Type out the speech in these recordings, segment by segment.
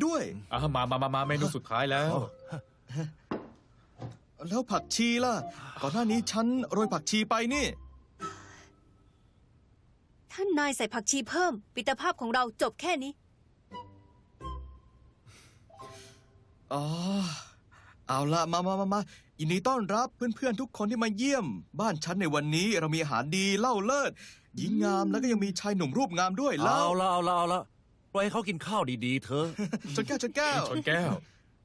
ด้วยมาเมนูสุดท้ายแล้วแล้วผักชีล่ะก่อนหน้านี้ฉันโรยผักชีไปนี่ท่านนายใส่ผักชีเพิ่มมิตรภาพของเราจบแค่นี้อ๋อเอาละมายินดีต้อนรับเพื่อนๆทุกคนที่มาเยี่ยมบ้านฉันในวันนี้เรามีอาหารดีเล่าเลิศหญิงงามแล้วก็ยังมีชายหนุ่มรูปงามด้วยเล่าเอาละปล่อยให้เขากินข้าวดีๆเถอะชนแก้วชนแก้วชนแก้ว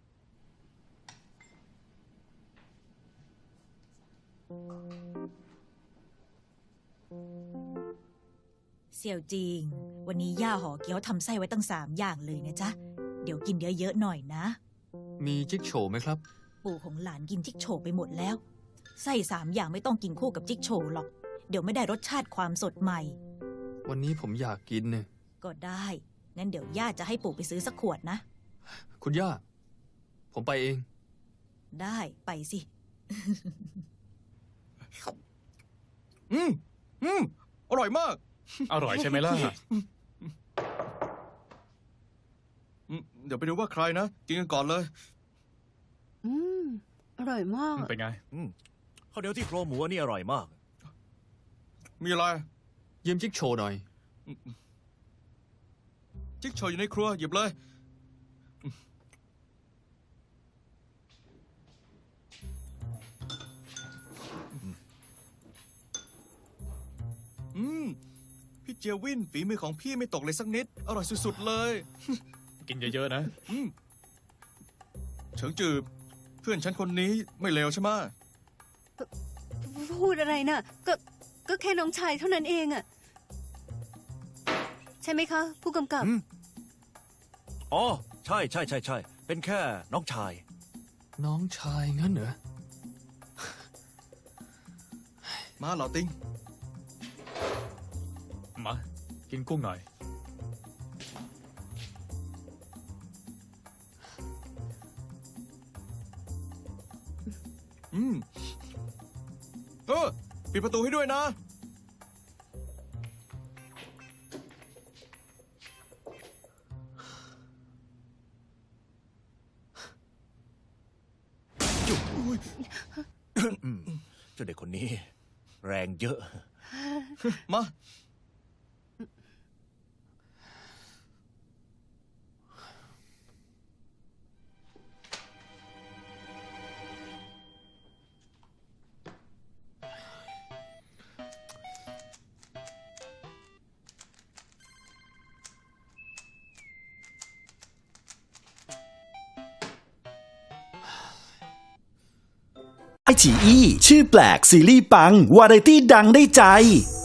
เสี่ยวจริงวันนี้ย่าห่อเกี๊ยวทำไส้ไว้ตั้ง3 อย่างเลยนะจ๊ะเดี๋ยวกินเยอะๆหน่อยนะมีจิ๊กโฉไหมครับปู่ของหลานกินจิ๊กโฉไปหมดแล้วไส้3 อย่างไม่ต้องกินคู่กับจิ๊กโฉหรอกเดี๋ยวไม่ได้รสชาติความสดใหม่วันนี้ผมอยากกินเนี่ยก็ได้งั้นเดี๋ยวย่าจะให้ปู่ไปซื้อสักขวดนะคุณย่าผมไปเองได้ไปสิอร่อยมากอร่อยใช่ไหมล่ะเดี๋ยวไปดูว่าใครนะกินกันก่อนเลยอร่อยมากเป็นไงข้าวเหนียวที่โครงหมูนี่อร่อยมากมีอะไรยืมจิ๊กโฉหน่อยจิ๊กโฉอยู่ในครัวหยิบเลยพี่เจียววินฝีมือของพี่ไม่ตกเลยสักนิดอร่อยสุดๆเลยกินเยอะๆนะเฉิงจือเพื่อนฉันคนนี้ไม่เลวใช่ไหมพูดอะไรน่ะก็แค่น้องชายเท่านั้นเองอะใช่ไหมคะผู้กำกับอ๋อใช่เป็นแค่น้องชายงั้นเหรอมาเหล่าติงมากินกุ้งหน่อยปิดประตูให้ด้วยนะเจ้าเด็กคนนี้แรงเยอะมาไอฉีอี้ชื่อแปลกซีรีส์ปังวาไรตี้ดังได้ใจ